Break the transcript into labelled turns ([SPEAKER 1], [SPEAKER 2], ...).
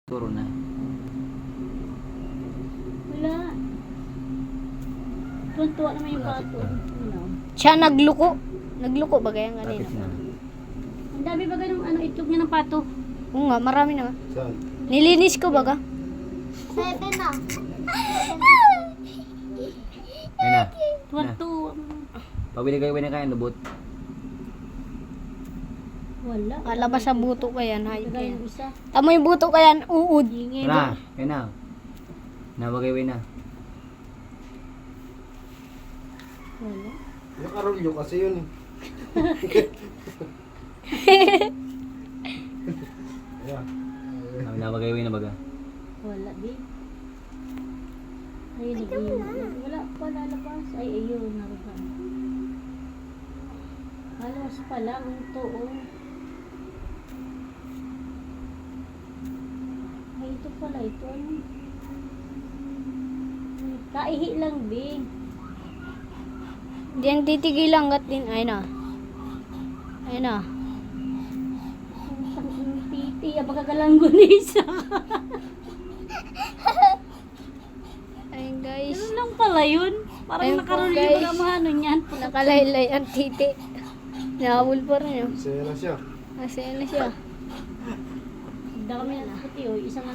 [SPEAKER 1] Turo na.
[SPEAKER 2] Wala. Tuwan-tuwa naman yung bato.
[SPEAKER 3] Siya nagluko. Nagluko ba kaya kanina?
[SPEAKER 1] Bakit na?
[SPEAKER 2] Ang dami ba ganun itlog niya ng pato?
[SPEAKER 3] Oo nga, marami naman.
[SPEAKER 4] Saan?
[SPEAKER 3] Nilinis ko baga.
[SPEAKER 5] 7 na.
[SPEAKER 1] Ayun na.
[SPEAKER 2] Tuwan-tuwa.
[SPEAKER 1] Pabili kayo na kain, lubot.
[SPEAKER 2] Wala.
[SPEAKER 3] Alabas sa buto ka yan. Hayop
[SPEAKER 2] Kagaya
[SPEAKER 3] yan.
[SPEAKER 2] yung isa.
[SPEAKER 3] Tamo yung buto ka yan. Uud.
[SPEAKER 2] Hingi
[SPEAKER 1] Na, ayun na. Nabagay na.
[SPEAKER 2] Wala.
[SPEAKER 4] Yung karolyo kasi yun eh. Ayan.
[SPEAKER 1] Nabagay na baga.
[SPEAKER 2] Wala din. Ay, wala pa lalabas. Ay, ayun. Narugan. Halos pa lang ito, oh. Ay, ito pala. Ito, ano? Kaihi lang, Bing.
[SPEAKER 3] Diyan titigil hanggat din. Ayun na. Ayun na.
[SPEAKER 2] Ang titi, abagagalangon isa.
[SPEAKER 3] Ayun guys.
[SPEAKER 2] Ganun lang pala yun. Parang
[SPEAKER 3] Ayun po,
[SPEAKER 2] nakaruli
[SPEAKER 3] guys.
[SPEAKER 2] ba mga ano niyan?
[SPEAKER 3] Nakalaylay ang titi. Nahabol pa rin yun.
[SPEAKER 4] Masaya na siya.
[SPEAKER 3] Masaya na siya.
[SPEAKER 2] Dami na puti, oh. Isang